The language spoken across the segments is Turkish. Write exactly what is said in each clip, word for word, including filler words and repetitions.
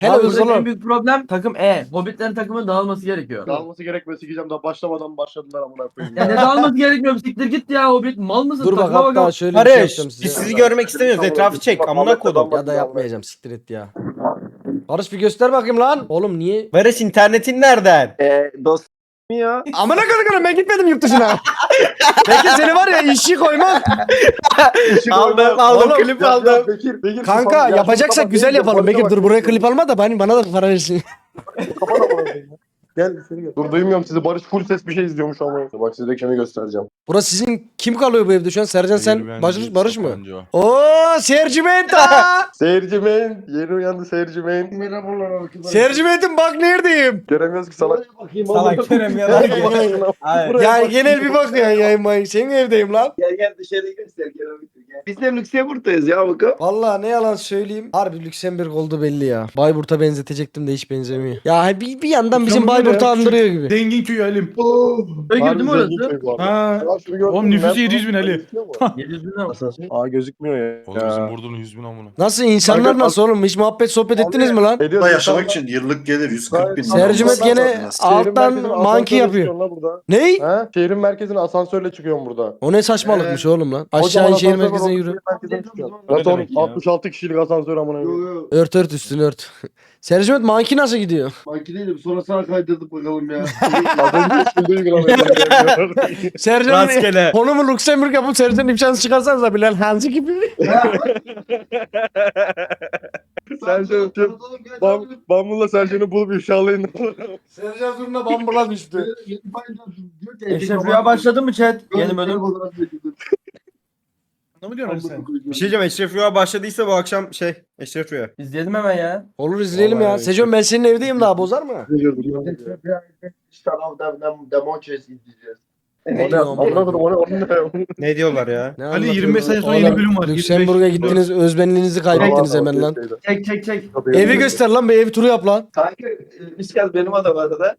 Hele Abi hızlı buradaki en olun. büyük problem takım E. Hobbitlerin takımın dağılması gerekiyor. Dağılması gerekmesi sikeceğim daha başlamadan başladılar amına koyayım. Ya ne dağılması gerekmiyor? Siktir git ya Hobbit. Mal mısın? Dur bak Takıma hatta bakalım. şöyle bir şey Barış yapacağım biz size. sizi görmek istemiyoruz. Etrafı çek. Amına kodum. Ya da yapmayacağım siktir et ya. Barış bir göster bakayım lan. Oğlum niye? Barış internetin nereden? Eee dost ya. Amına koyayım ben gitmedim yurt dışına. Peki seni var ya işi koymak. Aldım aldım Oğlum, klip Ya, aldım. ya Bekir, Bekir, Kanka kapat- ya yapacaksak şunu kapat, güzel Bekir, yapalım. Bekir kapat, dur buraya kapat. klip alma da bana, bana da para versin. Kapat amına koyayım. Gel seni gel. Dur duymuyorum sizi. Barış full ses bir şey izliyormuş ama. Bak size kimi göstereceğim. Burası sizin kim kalıyor bu evde şu an? Sercan sen Hayır, Barış, bence Barış mı? Sabancı o. Oo Sercimenta. Seyircimen. Yeni uyandı seyircimen. Merhabalar arkadaşlar. Sercimentim bak neredeyim. Göremiyoruz ki salak. Salak Kerem ya. Hayır. Ya genel bir bak ya yayınmayın. Senin evdeyim lan. Gel gel dışarı göster gel abi gel. Biz de Lüksemburg'dayız ya bakalım. Vallahi ne yalan söyleyeyim. Harbi Lüksemburg oldu belli ya. Bayburt'a benzetecektim de hiç benzemiyor. Ya bir, bir yandan bizim Lüksemburg Bayburt'u ya, andırıyor gibi. Zengin köyü Halim. Köy Harbi girdi mi zengin orası? köy bu arada. Ha. Ya şunu gördün Oğlum mü? nüfusu Nerede? yedi yüz bin Ali. Gözüküyor mu? yedi yüz bin lira. Aa gözükmüyor ya. Oğlum bizim Burdur'un yüz bin amına. Nasıl insanlar Kanka, nasıl oğlum? Hiç muhabbet sohbet ettiniz mi lan? Ediyoruz. Burada yaşamak İnsanlar- için yıllık gelir yüz kırk bin. Sercümet gene Şehrin alttan merkezine monkey asansörle yapıyor. çıkıyorsun lan burada. Ney? He? Şehrin merkezine asansörle çıkıyorum burada. O ne saçmalıkmış oğlum lan. Kocaman Aşağı in şehir asansör var, merkezine o yürü. şehir merkezine çıkıyorum. O ne Zaten demek ya? altmış altı kişilik asansör amına Yo koyayım. yo. Ört ört üstünü ört. Sercümet monkey nasıl gidiyor? Makineydim sonra sana kaydırdık bakalım ya. Az önce üstünde uygulamayı. Sercan'ın Rastgele. konumu Lüksemburg yapıp Sercan'ın imkansız çıkarsanız da Bilal Hanzi gibi. Sercan tüm Bam, Bambu'la Sercan'ı bulup ifşalayın. Sercan zurna bambula düştü. Eşref Rüya başladı mı chat? Yeni bölüm. Ne mi diyorsun Ali sen? Bir şey diyeceğim. Eşref Rüya başladıysa bu akşam şey Eşref Rüya. İzleyelim hemen ya. Olur izleyelim ya. Vallahi Sejon ben senin evdeyim daha bozar mı? Demontres izleyeceğiz. O ne? Amına koydum, o ne? O ne? Ne diyorlar ya? Ne Ali yirmi beş sene sonra Oğlum, yeni bölüm var. Lüksemburg'a yirmi beş gittiniz özbenliğinizi kaybettiniz hemen lan. Çek çek çek. Evi göster lan bir ev turu yap lan. Kanka biz gel benim adam arada.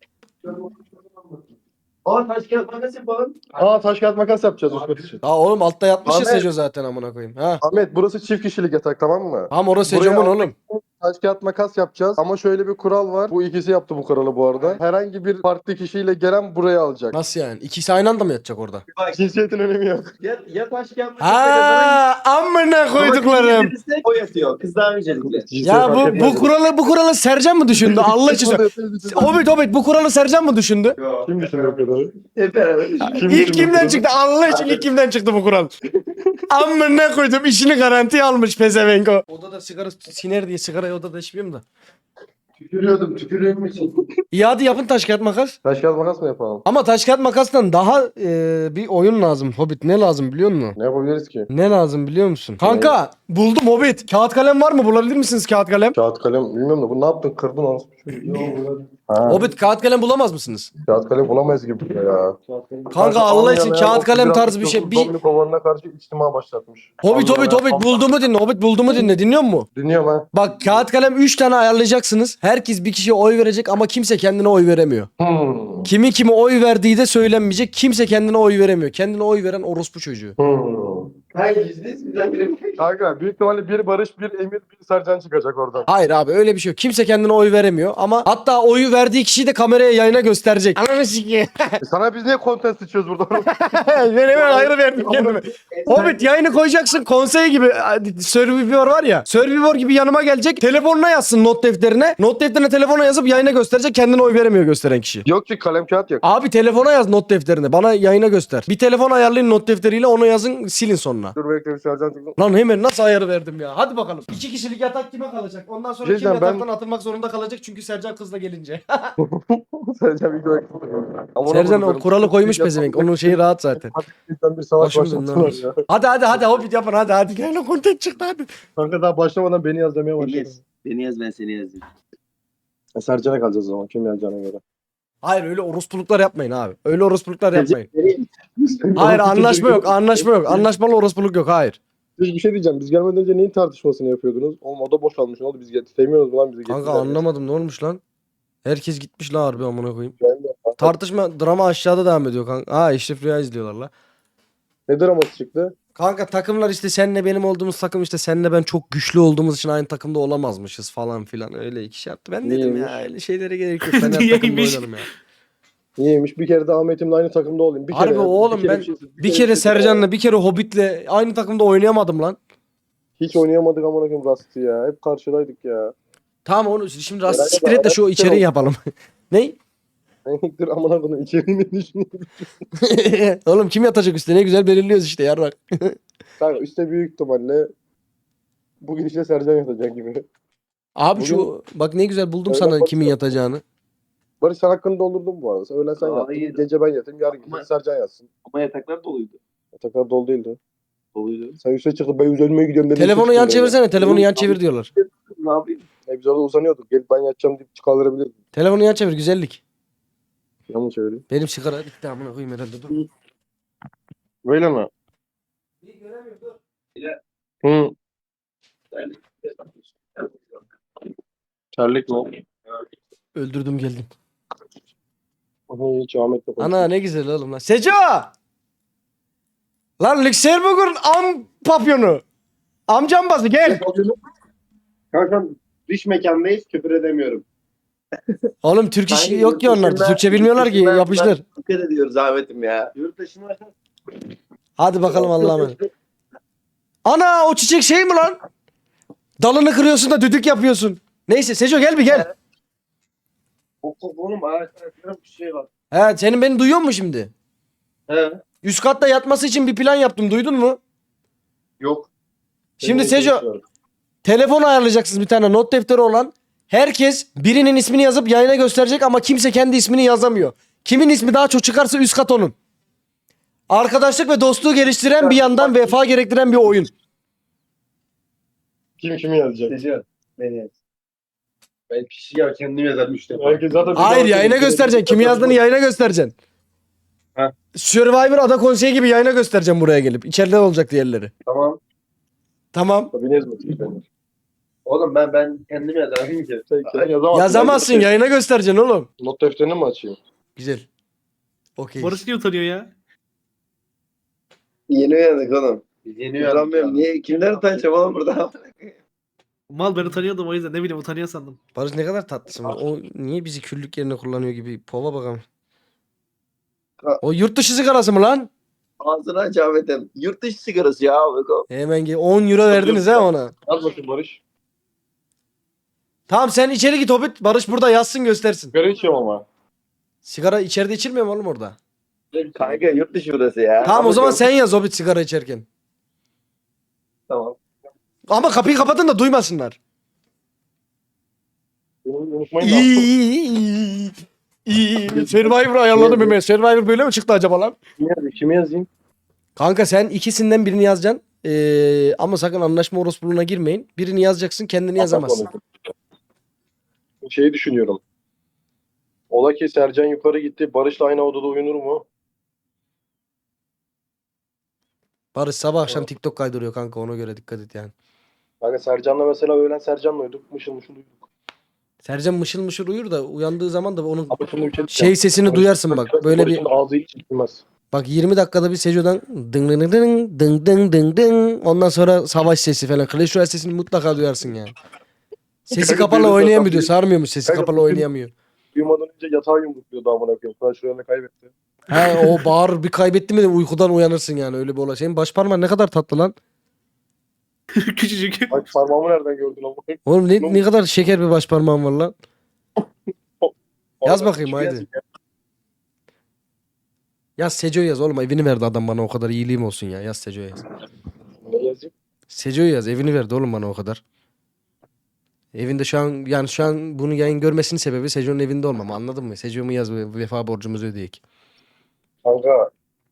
Aa taş kağıt makas yapalım. Aa taş kağıt makas yapacağız üst kat için. Aa oğlum altta yatmış ya Ahmet. Sejo zaten amına koyayım. Ha. Ahmet burası çift kişilik yatak tamam mı? Tamam orası Buraya Sejo'mun aldık. oğlum. Taş kağıt makas yapacağız ama şöyle bir kural var. Bu ikisi yaptı bu kuralı bu arada. Herhangi bir farklı kişiyle gelen buraya alacak. Nasıl yani? İkisi aynı anda mı yatacak orada? Bak Cinsiyetin önemi yok. ya, ya taş kağıt makas Ha amına koyduklarım. O yatıyor. Kızlar öncelikle. Ya bu bu kuralı bu kuralı Sercan mı düşündü? Allah için söyle. Hobbit Hobbit bu kuralı Sercan mı düşündü? Yo. Kim düşünüyor kadar? Hep beraber. Kim İlk kimden çıktı? Allah için ilk kimden çıktı bu kural? Amına koydum işini garantiye almış pezevenko. Odada sigara siner diye sigarayı odada içmiyorum da. Tükürüyordum tükürüyorum için. İyi hadi yapın taş kağıt makas. Taş kağıt makas mı yapalım? Ama taş kağıt makastan daha e, bir oyun lazım Hobbit. Ne lazım biliyor musun? Ne yapabiliriz ki? Ne lazım biliyor musun? Kanka buldum Hobbit. Kağıt kalem var mı? Bulabilir misiniz kağıt kalem? Kağıt kalem bilmiyorum da bu ne yaptın kırdın onu. Ha, Hobbit kağıt kalem bulamaz mısınız? kağıt kalem bulamayız gibi ya. Kanka Allah için kağıt kalem tarzı bir şey. Bir... Dominik Ovan'a karşı içtima başlatmış. Hobbit Allah Hobbit Allah. Hobbit bulduğumu dinle. Hobbit bulduğumu dinle. Dinliyor musun? Dinliyorum ha. Bak kağıt kalem üç tane ayarlayacaksınız. Herkes bir kişiye oy verecek ama kimse kendine oy veremiyor. Hmm. Kimi kime oy verdiği de söylenmeyecek. Kimse kendine oy veremiyor. Kendine oy veren orospu çocuğu. Hmm. Hayır yüzdeyiz bizden biri. Kanka büyük ihtimalle bir Barış, bir Emir, bir Sercan çıkacak oradan. Hayır abi öyle bir şey yok. Kimse kendine oy veremiyor ama hatta oyu verdiği kişiyi de kameraya yayına gösterecek. Ananı sikeyim. E sana biz niye content sıçıyoruz burada? Ben hemen ayrı verdim kendime. Hobbit yayını koyacaksın konsey gibi. Survivor var ya. Survivor gibi yanıma gelecek. Telefonuna yazsın not defterine. Not defterine telefona yazıp yayına gösterecek. Kendine oy veremiyor gösteren kişi. Yok ki kalem kağıt yok. Abi telefona yaz not defterine. Bana yayına göster. Bir telefon ayarlayın not defteriyle onu yazın silin sonra. Dur bekle bir Sercan çıksın. Lan hemen nasıl ayarı verdim ya. Hadi bakalım. İki kişilik yatak kime kalacak? Ondan sonra kim Cidden ben- yataktan atılmak zorunda kalacak çünkü Sercan kızla gelince. Sercan bir dakika. Sercan o kuralı koymuş pezevenk. Onun şeyi rahat zaten. Bizden bir savaş Başım döndü. başlattılar ya. Hadi hadi hadi Hobbit yapın hadi hadi. Gel lan content çıktı hadi. Kanka daha başlamadan beni yaz demeye Beni başladı. yaz. Beni yaz ben seni yazayım. E, Sercan'a kalacağız o zaman kim yazacağına göre. Hayır öyle orospuluklar yapmayın abi. Öyle orospuluklar yapmayın. Nereye? Hayır anlaşma yok anlaşma yok. Anlaşmalı orospuluk yok hayır. Siz bir şey diyeceğim. Biz gelmeden önce neyin tartışmasını yapıyordunuz? Oğlum o da boşalmış. Ne oldu? Biz get sevmiyoruz mu lan bizi Kanka getirdiler. anlamadım ne olmuş lan? Herkes gitmiş la harbi amına koyayım. Ben de- Tartışma drama aşağıda devam ediyor kanka. Ha Eşref Rüya izliyorlar la. Ne draması çıktı? Kanka takımlar işte senle benim olduğumuz takım işte senle ben çok güçlü olduğumuz için aynı takımda olamazmışız falan filan öyle iki şey yaptı. Ben dedim ya Niyeymiş? öyle şeylere gerek yok. Ben her takımda Niyeymiş? oynarım ya. Niyeymiş? Bir kere de Ahmet'imle aynı takımda olayım. Bir Harbi kere ya, oğlum kere ben bir şey- bir kere şey- Sercan'la bir kere Hobbit'le aynı takımda oynayamadım lan. Hiç oynayamadık amına koyayım Rust'ı ya. Hep karşıdaydık ya. Tamam onu şimdi Herhalde rast siktir et de şu beraber içeriği oldu. yapalım. Ney? Dur amına koyayım içeriğini düşünüyorum. Oğlum kim yatacak üstüne ne güzel belirliyoruz işte yarrak. Kanka üstte büyük ihtimalle bugün işte Sercan yatacak gibi. Abi Bugün- şu bak ne güzel buldum Öyle sana bakıyorum. kimin yatacağını. Barış sen hakkını doldurdun bu arada. Öğlen sen Hayır. yattın. Gece ben yatayım. Yarın gece Ama- Sercan yatsın. Ama yataklar doluydu. Yataklar dolu değildi. Doluydu. Sen üste çıktın. Ben üzerime gidiyorum dedin. Telefonu üste yan çıktın böyle. çevirsene telefonu yan çevir diyorlar. Ne yapayım? E biz orada uzanıyorduk. Gelip ben yatacağım deyip çıkardırabilirdim. Telefonu yan çevir güzellik. Yanlış çevireyim. Benim sigara bitti amına koyayım herhalde dur. Böyle mi? Hı. Terlik mi? Öldürdüm geldim. Hı, hiç Ahmet'le konuştum. Ana ne güzel oğlum lan. Seco! Lan Lüksemburg'un am papyonu. Amcam bazı gel. Kanka dış mekandayız küfür edemiyorum. Oğlum Türk işi Kanka, yok ki yurt onlarda. dışında- Türkçe bilmiyorlar ki yurt dışında yapıştır. Dikkat ediyoruz Ahmet'im ya. Yurt dışına Hadi bakalım Allah'a emanet. Ana o çiçek şey mi lan? Dalını kırıyorsun da düdük yapıyorsun. Neyse Seco gel bir gel. oğlum ağaçta bir şey var. He senin beni duyuyor musun şimdi? He. Üst katta yatması için bir plan yaptım duydun mu? Yok. Şimdi Senin Seco için telefon ayarlayacaksınız bir tane not defteri olan. Herkes birinin ismini yazıp yayına gösterecek ama kimse kendi ismini yazamıyor. Kimin ismi daha çok çıkarsa üst kat onun. Arkadaşlık ve dostluğu geliştiren bir yandan vefa gerektiren bir oyun. Kim kimi yazacak? Seçiyor. Beni. Ben kişi ya kendim yazarım işte. Herkes zaten Hayır yayına göstereceksin. Kimi yazdığını yayına göstereceksin. Ha. Survivor Ada Konseyi gibi yayına göstereceğim buraya gelip. İçeride olacak diğerleri. Tamam. Tamam. Tabii ne yazmasın? Oğlum ben ben kendim yazarım ki. Sen yazamazsın. Yazamazsın yayına göstereceksin oğlum. Not defterini mi açayım? Güzel. Okey. Barış niye utanıyor ya? Yeni uyandık oğlum. Biz Yeni uyanmıyorum. Niye? Kimden utanacağım oğlum burada? Mal ben utanıyordum o yüzden ne bileyim utanıyor sandım. Barış ne kadar tatlısın. O niye bizi küllük yerine kullanıyor gibi. Pova bakalım. Ha. O yurt dışı sigarası mı lan? Ağzını aç Ahmet'im. Yurt dışı sigarası ya. Beko. Hemen gel. on euro verdiniz ha ona. Yaz bakayım Barış. Tamam sen içeri git Hobbit. Barış burada yazsın göstersin. Sigara içiyorum ama. Sigara içeride içilmiyor mu oğlum orada? Kanka yurt dışı burası ya. Tamam o Ama zaman yok. sen yaz Hobbit sigara içerken. Tamam. Ama kapıyı kapatın da duymasınlar. Beni unutmayın da. İyi iyi iyi. İyi. Survivor ayarladım hemen. Survivor böyle mi çıktı acaba lan? Kimi yazayım? Kimi yazayım? Kanka sen ikisinden birini yazacaksın. Ee, ama sakın anlaşma orospuluğuna girmeyin. Birini yazacaksın kendini yazamazsın. Şeyi düşünüyorum. Ola ki Sercan yukarı gitti. Barış'la aynı odada uyunur mu? Barış sabah akşam TikTok kaydırıyor kanka ona göre dikkat et yani. Kanka Sercan'la mesela öğlen Sercan'la uyuduk. Mışıl mışıl uyuduk. Sercan mışıl mışıl uyur da uyandığı zaman da onun Ama şimdi bir şey şey sesini duyarsın bak. Böyle bir Barış'ın ağzı hiç çıkmaz. bak yirmi dakikada bir Sejo'dan ding ding ding ding ding ding ding ding ondan sonra savaş sesi falan. Clash Royale sesini mutlaka duyarsın yani. Sesi Kanka kapalı benim oynayamıyor zaten- sarmıyormuş sesi Kanka kapalı bütün- oynayamıyor. Uyumadan önce yatağa yumrukluyordu amına koyayım. Flash Royale'ı kaybetti. He o bağır bir kaybetti mi de uykudan uyanırsın yani öyle bir olay. Senin baş parmağın ne kadar tatlı lan. Küçücük. Bak parmağımı nereden gördün amına koyayım? Oğlum ne, ne kadar şeker bir baş parmağın var lan. Yaz bakayım, Kimi haydi. yazayım ya? Yaz Seco'yu yaz oğlum evini verdi adam bana o kadar iyiliğim olsun ya. Yaz Seco'yu yaz. Ne yazayım? Seco'yu yaz evini verdi oğlum bana o kadar. Evinde şu an yani şu an bunu yayın görmesinin sebebi Seco'nun evinde olmam anladın mı? Seco'mu yaz ve vefa borcumuzu ödeyek. Kanka.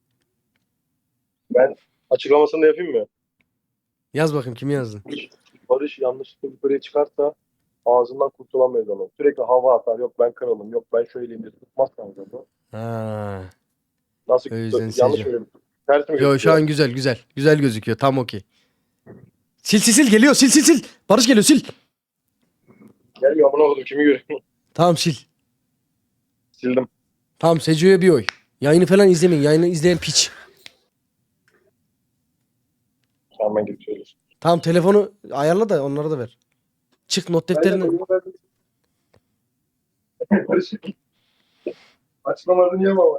Ben açıklamasını da yapayım mı? Yaz bakayım kimi yazdın? Barış yanlışlıkla yukarıya çıkarsa ağzından kurtulamayız onu. Sürekli hava atar. Yok ben kralım. Yok ben şöyleyim diye tutmaz kanka bu. Ha. Nasıl O yüzden yanlış Seco. söylüyorum. Ters mi Yo şu gözüküyor? an güzel güzel. Güzel gözüküyor tam okey. Sil sil sil geliyor sil sil sil. Barış geliyor sil. Gelmiyor amına koydum kimi görüyorum. Tamam sil. Sildim. Tamam Seco'ya bir oy. Yayını falan izlemeyin. Yayını izleyen piç. Hemen gidip söylüyorsun. Tamam telefonu ayarla da onları da ver. Çık not defterini. Açlamadın yeme ama.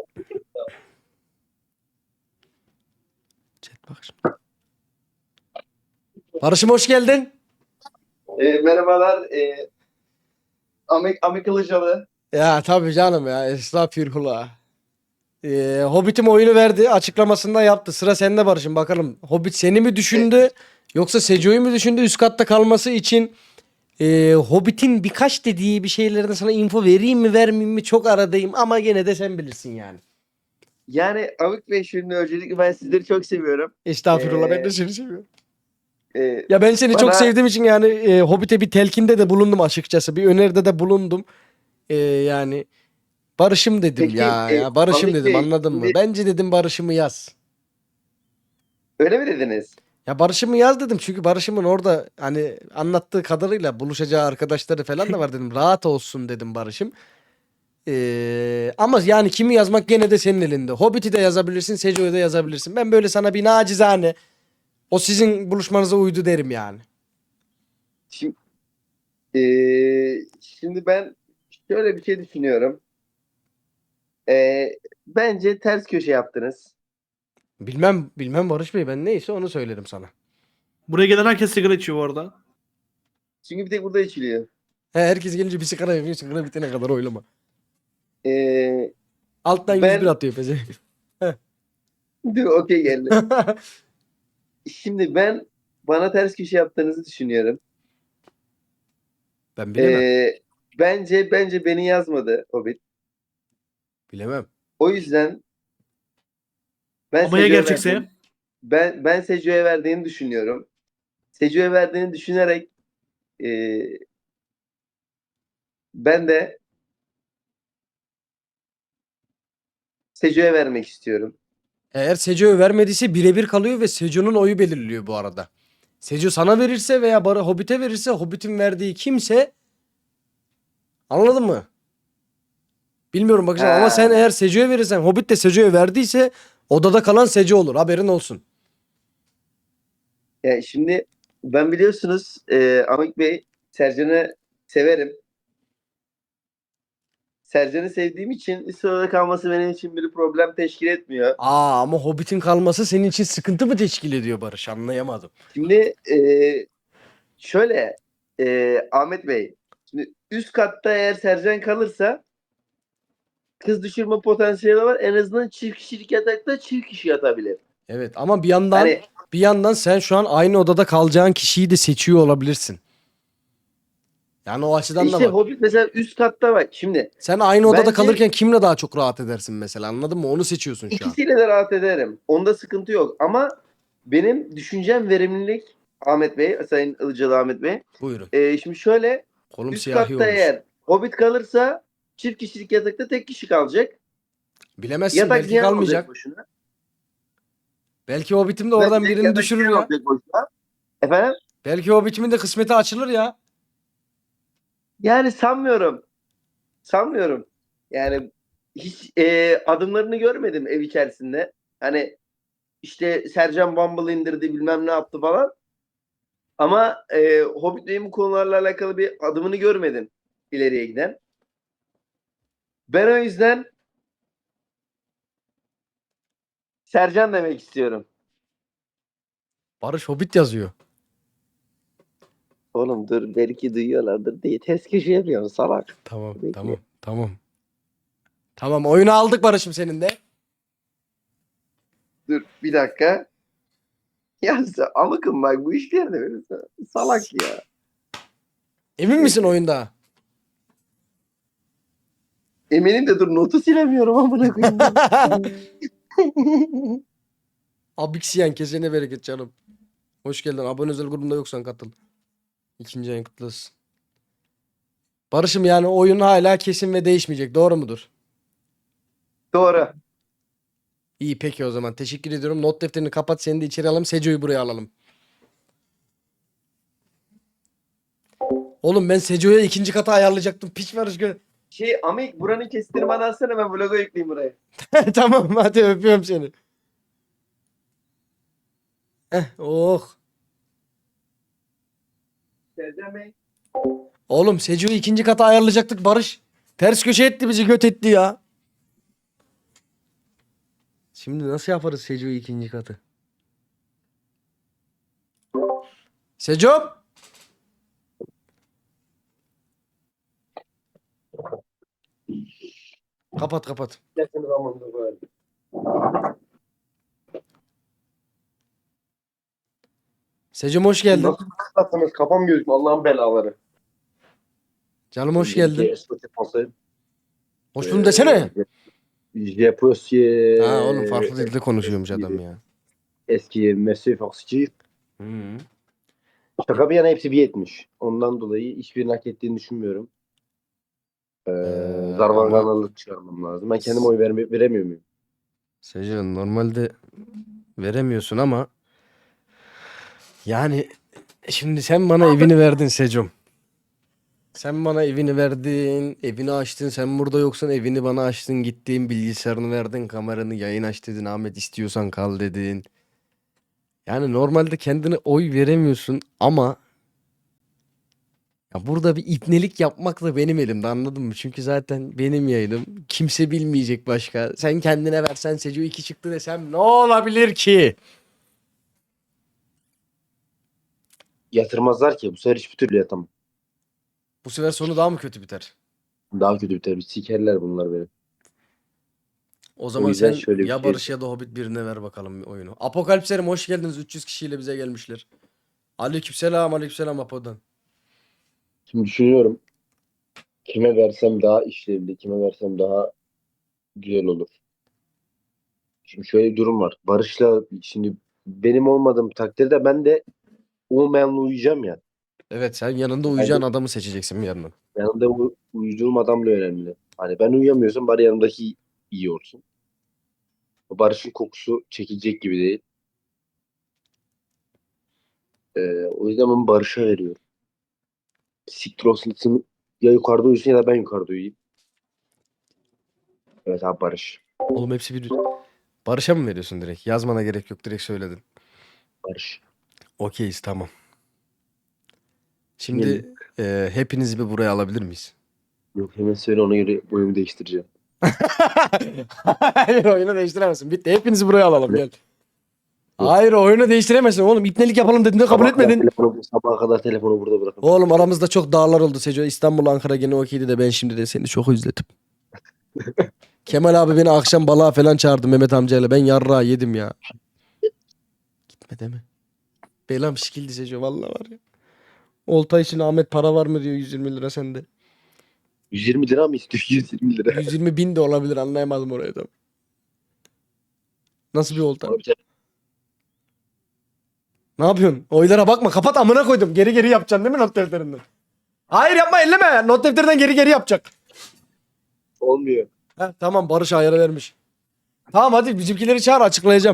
Chat bak şimdi. Barış'ım hoş geldin. E, merhabalar. E, Amik, Amik Ilıcalı. Ya tabii canım ya estağfirullah. Ee, Hobbit'im oyunu verdi açıklamasında yaptı. Sıra sende Barış'ım bakalım. Hobbit seni mi düşündü yoksa Seco'yu mu düşündü üst katta kalması için? Ee, Hobbit'in birkaç dediği bir şeylerden sana info vereyim mi vermeyeyim mi çok aradayım ama gene de sen bilirsin yani. Yani Amik Bey şimdi öncelikle ben sizleri çok seviyorum. Estağfurullah ben Ee, de seni seviyorum. E, Ya ben seni çok bana- sevdiğim için yani e, Hobbit'e bir telkinde de bulundum açıkçası. Bir öneride de bulundum. Ee, yani Barış'ım dedim Peki, ya, e, ya Barış'ım Amik dedim Bey, anladın mı? şimdi- Bence dedim Barış'ımı yaz. öyle mi dediniz? Ya Barış'ımı yaz dedim çünkü Barış'ımın orada hani anlattığı kadarıyla buluşacağı arkadaşları falan da var dedim. Rahat olsun dedim Barış'ım. Ee, ama yani kimi yazmak gene de senin elinde. Hobbit'i de yazabilirsin, Seco'yu da yazabilirsin. Ben böyle sana bir nacizane o sizin buluşmanıza uydu derim yani. Şimdi, e, şimdi ben şöyle bir şey düşünüyorum. E, bence ters köşe yaptınız. Bilmem bilmem Barış Bey ben neyse onu söylerim sana. Buraya gelen herkes sigara içiyor bu arada. Çünkü bir tek burada içiliyor. He, herkes gelince bir sigara yapıyor, sigara bitene kadar oylama. E, Alttan Ben- yüz bir atıyor peze. dur okey geldi. Şimdi ben bana ters köşe yaptığınızı düşünüyorum. Ben bilemem. E, bence bence beni yazmadı Hobbit. Bilemem. O yüzden ben Ama ya Seco'ya gerçekse? verdiğim- Ben ben Seco'ya verdiğini düşünüyorum. Seco'ya verdiğini düşünerek e, ben de Seco'ya vermek istiyorum. Eğer Seco'ya vermediyse birebir kalıyor ve Seco'nun oyu belirliyor bu arada. Seco sana verirse veya Bar Hobbit'e verirse Hobbit'in verdiği kimse anladın mı? Bilmiyorum bakacağım ama Ha. sen eğer Seco'ya verirsen Hobbit de Seco'ya verdiyse odada kalan Seco olur haberin olsun. Yani şimdi ben biliyorsunuz e, Amik Bey Sercan'ı severim. Sercan'ı sevdiğim için üst sırada kalması benim için bir problem teşkil etmiyor. Aa ama Hobbit'in kalması senin için sıkıntı mı teşkil ediyor Barış anlayamadım. Şimdi e, şöyle e, Ahmet Bey şimdi üst katta eğer Sercan kalırsa kız düşürme potansiyeli var. En azından çift kişilik yatakta çift kişi yatabilir. Evet ama bir yandan Hani bir yandan sen şu an aynı odada kalacağın kişiyi de seçiyor olabilirsin. Yani o açıdan işte da bak. Hobbit mesela üst katta bak. Şimdi Sen aynı odada Bence- kalırken kimle daha çok rahat edersin mesela anladın mı? Onu seçiyorsun şu an. ikisiyle de rahat ederim. Onda sıkıntı yok. Ama benim düşüncem verimlilik Ahmet Bey, Sayın Ilıcalı Ahmet Bey. Buyurun. Ee, şimdi şöyle Kolum üst siyahi katta olmuş. eğer Hobbit kalırsa çift kişilik yatakta tek kişi kalacak. Bilemezsin Yatak belki ziyan kalmayacak. olacak boşuna. Belki Hobbit'im de oradan Belki birini yatak düşürür ziyan ya. olacak boşuna. Efendim? Belki Hobbit'imin de kısmeti açılır ya. Yani sanmıyorum. Sanmıyorum. Yani hiç e, adımlarını görmedim ev içerisinde. Hani işte Sercan Bumble indirdi bilmem ne yaptı falan. Ama e, Hobbit Bey'in bu konularla alakalı bir adımını görmedim ileriye giden. Ben o yüzden Sercan demek istiyorum. Barış Hobbit yazıyor. Oğlum dur belki duyuyorlardır diye ters köşe yapıyorum salak. Tamam Peki. tamam tamam. Tamam oyunu aldık Barış'ım senin de. Dur bir dakika. Ya sen amıkım bak bu işlerde böyle salak ya. Emin misin oyunda? Eminim de dur notu silemiyorum amına koyayım. Abiksiyen kesene bereket canım. Hoş geldin. Abone özel grubunda yoksan katıl. İkinci ayın kutlu olsun. Barış'ım yani oyun hala kesin ve değişmeyecek. Doğru mudur? Doğru. İyi peki o zaman. Teşekkür ediyorum. Not defterini kapat. Seni de içeri alalım. Seco'yu buraya alalım. Oğlum ben Seco'ya ikinci kata ayarlayacaktım. Piç Barış gö- Şey Amik buranın kesitini bana alsana ben vloga yükleyeyim buraya. Tamam hadi öpüyorum seni. Eh oh. Sercan Bey. Oğlum Seco'yu ikinci kata ayarlayacaktık Barış. Ters köşe etti bizi göt etti ya. Şimdi nasıl yaparız Seco'yu ikinci katı? Seco. Kapat kapat. Yakın zamanda böyle. Secom hoş geldin. Nasıl kıslattınız? Kafam gözüküyor. Allah'ın belaları. Canım hoş geldin. Ee, Hoş buldum desene. Je peux Ha oğlum farklı dilde konuşuyormuş adam ya. Eski Mesut Fox'ci. Hı. Şaka bir yana hepsi bir yetmiş. Ondan dolayı hiçbirini hak ettiğini düşünmüyorum. Ee, Ee, Zarvanganlılık çıkarmam lazım. Ben kendime oy verme, veremiyor muyum? Secom normalde veremiyorsun ama yani şimdi sen bana evini verdin Secom. Sen bana evini verdin, evini açtın. Sen burada yoksan evini bana açtın, gittin, bilgisayarını verdin, kameranı yayın aç dedin. Ahmet istiyorsan kal dedin. Yani normalde kendine oy veremiyorsun ama ya burada bir ipnelik yapmak da benim elimde, anladın mı? Çünkü zaten benim yayınım. Kimse bilmeyecek başka. Sen kendine versen Seco iki çıktı desem ne olabilir ki? Yatırmazlar ki. Bu sefer hiçbir türlü yatamam. Bu sefer sonu daha mı kötü biter? Daha kötü biter. Bir sikerler bunlar beni. O zaman yüzden sen şöyle bir ya şey- Barış ya da Hobbit birine ver bakalım oyunu. Apokalipserim hoş geldiniz. üç yüz kişiyle bize gelmişler. Aleykümselam, aleykümselam Apo'dan. Şimdi düşünüyorum. Kime versem daha işlevli, kime versem daha güzel olur. Şimdi şöyle bir durum var. Barış'la şimdi benim olmadığım takdirde ben de olmayanla uyuyacağım ya. Evet, sen yanında uyuyacağın adamı seçeceksin bir yandan. Yanımda u- uyuduğum adamla önemli. Hani ben uyuyamıyorsam bari yanımdaki iyi olsun. Barış'ın kokusu çekilecek gibi değil. Ee, o yüzden ben Barış'a veriyorum. Siktir olsun, ya yukarıda uyusun ya da ben yukarıda uyuyayım. Evet abi Barış. Oğlum hepsi bir... Barış'a mı veriyorsun direkt? Yazmana gerek yok, direkt söyledin. Barış. Okeyiz, tamam. Şimdi e, hepinizi bir buraya alabilir miyiz? Yok hemen söyle, ona göre oyumu değiştireceğim. Hayır, oyunu değiştiremezsin. Bitti, hepinizi buraya alalım gel. Hayır, oyunu değiştiremezsin oğlum. İpnelik yapalım dediğinde kabul Sabaha kadar etmedin. telefonu- sabaha kadar telefonu burada bırakın. Oğlum aramızda çok dağlar oldu Seco. İstanbul, Ankara gene okeydi de ben şimdi de seni çok özledim. Kemal abi beni akşam balığa falan çağırdı Mehmet amcayla. Ben yarrağı yedim ya. Gitme deme. Belam şikildi Seco vallahi var ya. Olta için Ahmet para var mı diyor, yüz yirmi lira sende. yüz yirmi lira mı istiyor? yüz yirmi lira. yüz yirmi bin de olabilir, anlayamadım orayı da. Nasıl bir olta? Abi, Ne yapıyorsun? Oylara bakma, kapat amına koydum. Geri geri yapacaksın değil mi not defterinden? Hayır yapma, elleme. Not defterinden geri geri yapacak. olmuyor. Heh, tamam Barış ayara vermiş. Tamam hadi bizimkileri çağır, açıklayacağım.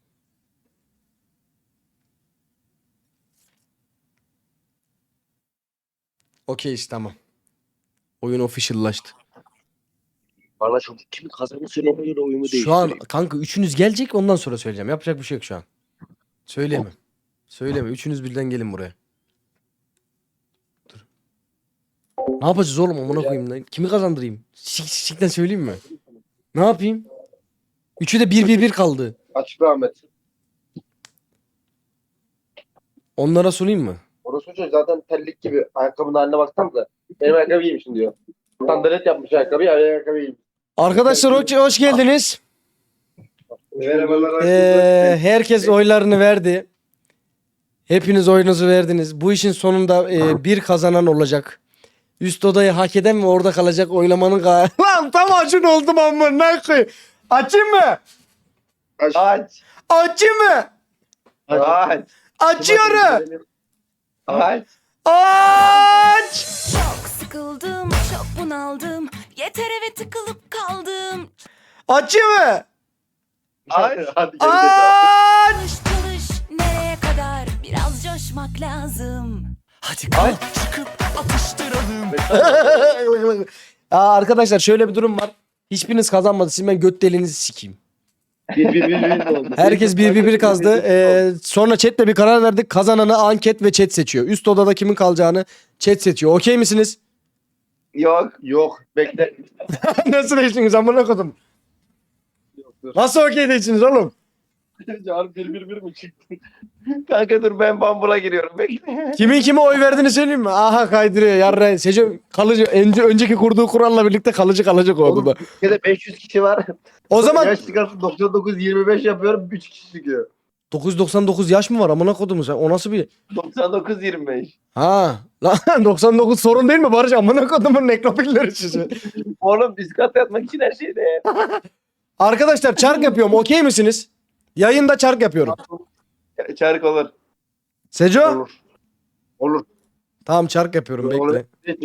Okeyiz, tamam. Oyun official'laştı. Bana çok kimin kazanını söyle, ona göre oyumu Şu an değiştireyim. kanka üçünüz gelecek, ondan sonra söyleyeceğim. Yapacak bir şey yok şu an. Söyleme. Söyleme. Üçünüz birden gelin buraya. Dur. Ne yapacağız oğlum amına koyayım lan? Kimi kazandırayım? Sik sikten söyleyeyim mi? Ne yapayım? Üçü de bir bir bir kaldı. Açıkla Ahmet. Onlara sunayım mı? Orası çocuğu zaten terlik gibi. Ayakkabının haline baksanıza. Benim ayakkabı giymişsin diyor. Sandalet yapmış ayakkabıyı, ayakkabı giymiş. Arkadaşlar hoş, hoş geldiniz. Merhabalar. Ee, herkes oylarını verdi. Hepiniz oyunuzu verdiniz. Bu işin sonunda e, bir kazanan olacak. Üst odayı hak eden ve orada kalacak oylamanın ga- Lan tam acın oldum amına koyayım. Açayım mı? Aç. Açayım mı? Aç. Açıyorum. Aç. Aç. Çok sıkıldım, çok bunaldım. Yeter eve tıkılıp kaldım. Açayım mı? Aç. Hadi gel. Aç. Çalış çalış, nereye kadar? Biraz coşmak lazım. Hadi kalk çıkıp atıştıralım. Aa, arkadaşlar şöyle bir durum var. Hiçbiriniz kazanmadı. Sizin ben göt deliğinizi sikeyim. Bir bir bir bir oldu. Herkes bir bir bir kazdı. Ee, sonra chatle bir karar verdik. Kazananı anket ve chat seçiyor. Üst odada kimin kalacağını chat seçiyor. Okey misiniz? Yok. Yok bekle. Nasıl değiştiniz amına kodum? Yok dur. Nasıl okey değiştiniz oğlum? Harbi bir bir bir mi çıktı? Kanka dur ben Bumble'a giriyorum. Bekle. Kimin kime oy verdiğini söyleyeyim mi? Aha kaydırıyor yarra. Seçim kalıcı. Önce, önceki kurduğu kuralla birlikte kalıcı kalacak o odada. Ya da beş yüz kişi var. O zaman Yaş çıkarsın doksan dokuz yirmi beş yapıyorum üç kişi çıkıyor. dokuz yüz doksan dokuz yaş mı var amına kodum sen? O nasıl bir... doksan dokuz yirmi beş. Ha lan doksan dokuz sorun değil mi Barış? Amına kodumun nekropilleri sizi. Oğlum üst kata yatmak için her şeyde ya. Arkadaşlar çark yapıyorum. Okey misiniz? Yayında çark yapıyorum. Çark olur. Seco? Olur. Olur. Tamam çark yapıyorum bekle.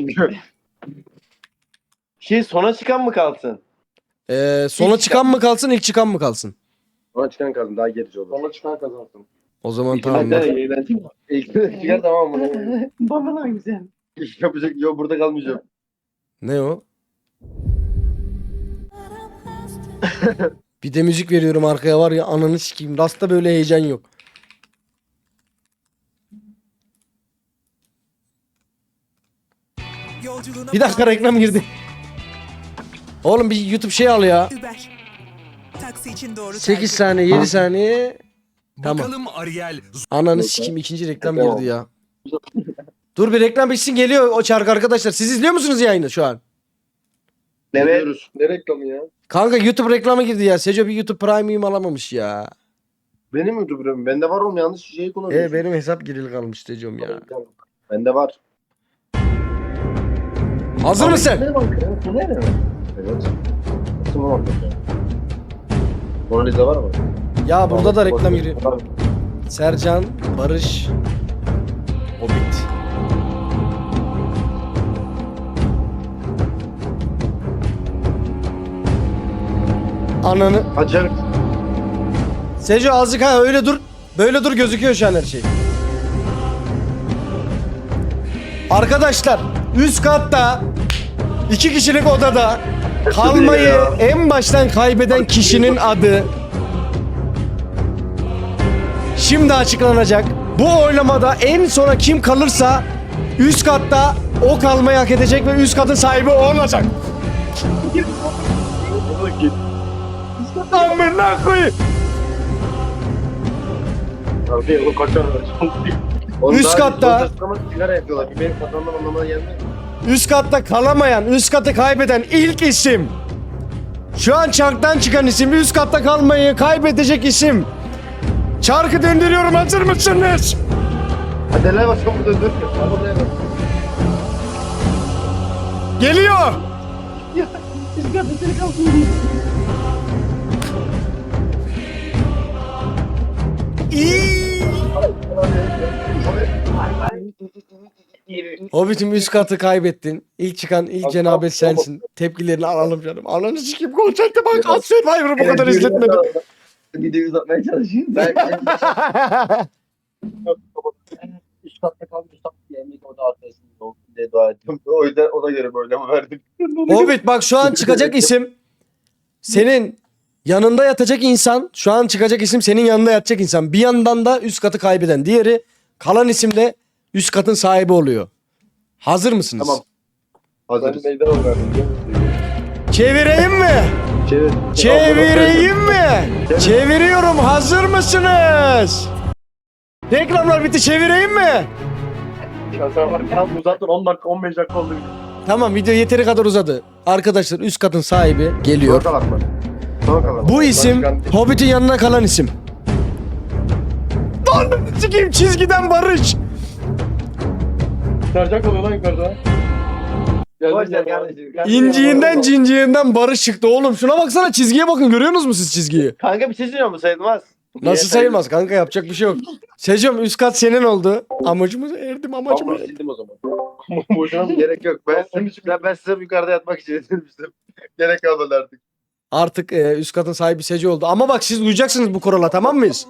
Şey sona çıkan mı kalsın? Ee, sona İlk çıkan mı kalsın ilk çıkan mı kalsın? Ona çıkan kazan daha gerici olur. Ona çıkan kazansın. O zaman İki tamam. tane yayından çık. İlk çıkar tamam mı? Bana güzel. Yapacak yok burada kalmayacağım. Ne o? Bir de müzik veriyorum arkaya var ya ananı sikeyim. Rasta böyle heyecan yok. Bir dakika reklam girdi. Oğlum bir YouTube şey al ya. Uber. Taksi için doğru sekiz tercih. saniye yedi saniye. Tamam. Bakalım Ariel Ananı sikeyim ikinci reklam Tamam. girdi ya. Dur bir reklam bitsin geliyor o çark arkadaşlar. Siz izliyor musunuz yayını şu an? Evet. Ne reklamı ya? Kanka YouTube reklamı girdi ya. Seco bir YouTube Premium alamamış ya. Benim YouTuber'ım. Bende var oğlum yanlış şeyi kullanıyorsun. E benim hesap girili kalmış Seco'm ya. Bende var. Hazır mısın? Ne var ya? Bu ne? Evet. Nasıl var? Mona Lisa var mı? Ya burada da reklam giriyor. Var. Sercan, Barış, Hobbit. Ananı. Açar. Seco azıcık ha öyle dur. Böyle dur gözüküyor şu an her şey. Arkadaşlar üst katta iki kişilik odada kalmayı en baştan kaybeden kişinin adı şimdi açıklanacak. Bu oylamada en sona kim kalırsa üst katta o kalmayı hak edecek ve üst katın sahibi o olacak. Amına koyayım. Abi o kaçar. Onun Üst daha- katta- Yolda sıkama sigara yapıyorlar. Bir benim kazanmam anlamına gelmez. Üst katta kalamayan, üst katı kaybeden ilk isim. Şu an çarktan çıkan isim, üst katta kalmayı kaybedecek isim. Çarkı döndürüyorum, hazır mısınız? Hadi hele bak çabuk döndür. Çabuk döndür. Geliyor. İyi. Hobbit'im üst katı kaybettin. İlk çıkan ilk cenabet sensin. Tepkilerini alalım canım. Ananı sikeyim konçakta bak. Az Survivor'ı bu kadar izletmedim. Videoyu uzatmaya çalışayım. Ben üst katta kaldım. Üst katta yemek orada arkadaşım olsun diye dua ettim. O yüzden ona göre böyle mi verdim? Hobbit bak şu an çıkacak isim senin yanında yatacak insan. Şu an çıkacak isim senin yanında yatacak insan. Bir yandan da üst katı kaybeden. Diğeri kalan isim de üst katın sahibi oluyor. Hazır mısınız? Tamam. Hazırız. Ben meydan verdim. Çevireyim mi? Çevir. Çevireyim mi? Çeviriyorum. Hazır mısınız? Reklamlar bitti. Çevireyim mi? Tam uzattın on dakika on beş dakika oldu. Tamam video yeteri kadar uzadı. Arkadaşlar üst katın sahibi geliyor. Son kalan mı? Son kalan. Bu isim Başkan- Hobbit'in yanına kalan isim. Lan sikeyim çizgiden Barış. Sercan kalıyor lan yukarıda. Boş ver kardeşim. İnciğinden cinciğinden Barış çıktı oğlum. Şuna baksana çizgiye bakın. Görüyorsunuz mu siz çizgiyi? Kanka bir şey söylüyor mu sayılmaz? Nasıl sayılmaz kanka yapacak bir şey yok. Secom üst kat senin oldu. Amacımıza erdim amacıma. Tamam sildim o zaman. Boşuna mı? Gerek yok. Ben, ben, ben sırf yukarıda yatmak için edilmiştim. Gerek kalmadı artık. Artık e, üst katın sahibi Seco oldu. Ama bak siz uyacaksınız bu kurala tamam mıyız?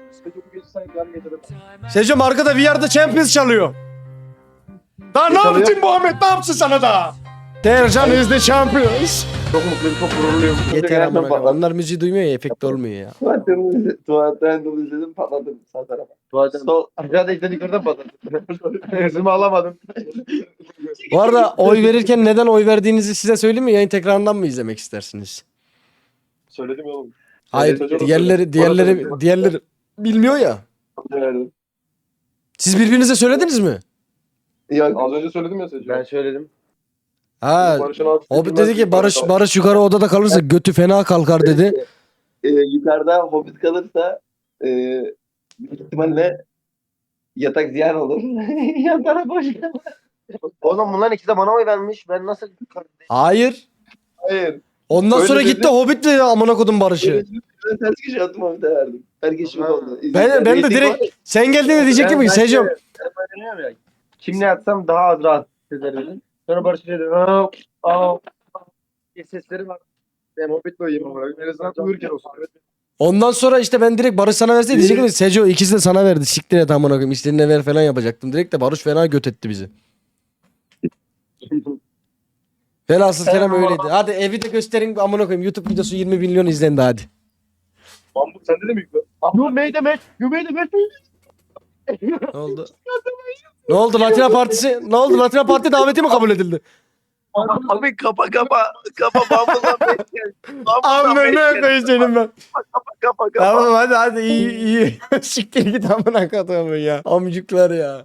Secom arkada We Are The Champions çalıyor. Daha ne çalıyor? yaptın Muhammed? Ne yapsın sana da? Tercan is the champions. Çok mutluyum, çok gururluyum. Yeter amına koyayım. Onlar müziği duymuyor ya, efekt olmuyor ya. Tuvaletten tuvaletten dolu izledim, patladım sağ tarafa. Tuvaletten sol aşağıda izlediklerden patladım. Hızımı alamadım. Bu arada oy verirken neden oy verdiğinizi size söyleyeyim mi? Yayın tekrarından mı izlemek istersiniz? Söyledim ya oğlum. Hayır, Söyledim. diğerleri diğerleri diğerleri bilmiyor ya. Verdim. Siz birbirinize söylediniz mi? Ya, az önce söyledim ya Seçim. Ben söyledim. Ha. Hobbit dedi ki Barış Barış yukarı odada kalırsa götü fena kalkar dedi. Ee, yukarıda Hobbit kalırsa e, büyük ihtimalle yatak ziyan olur. Yan taraf boş kalır. Oğlum bunların ikisi de bana oy vermiş. Ben nasıl... Hayır. Hayır. Ondan Öyle sonra dedi. gitti Hobbit dedi amına kodum Barış'ı. Ben ters köşe attım Hobbit'e verdim. Herkes şok oldu. Ben ben de direkt sen geldiğinde diyecektim ki Secom. Kimle yatsam daha az rahat hissederim. Sonra Barış dedi. Aa, aa. Sesleri var. Ben Hobbit'le uyuyayım ama. En azından uyurken olsun. Ondan sonra işte ben direkt Barış sana verseydi diyecektim ki Seco ikisi de sana verdi. Siktir et amına koyayım. İstediğine ver falan yapacaktım. Direkt de Barış fena göt etti bizi. Velhasıl kelam öyleydi. Hadi evi de gösterin amına koyayım. YouTube videosu yirmi milyon izlendi hadi. Bambuk sende de mi yüklü? You made a match. You made a match. Ne oldu? Ne oldu Latina Partisi? Ne oldu Latina Parti daveti mi kabul edildi? Abi kapa kapa. Kapa Bumble'dan bekle. Amına koyayım senin ben. Kapa kapa kapa. Tamam hadi hadi iyi iyi. Siktir git amına koyayım ya. Amcuklar ya.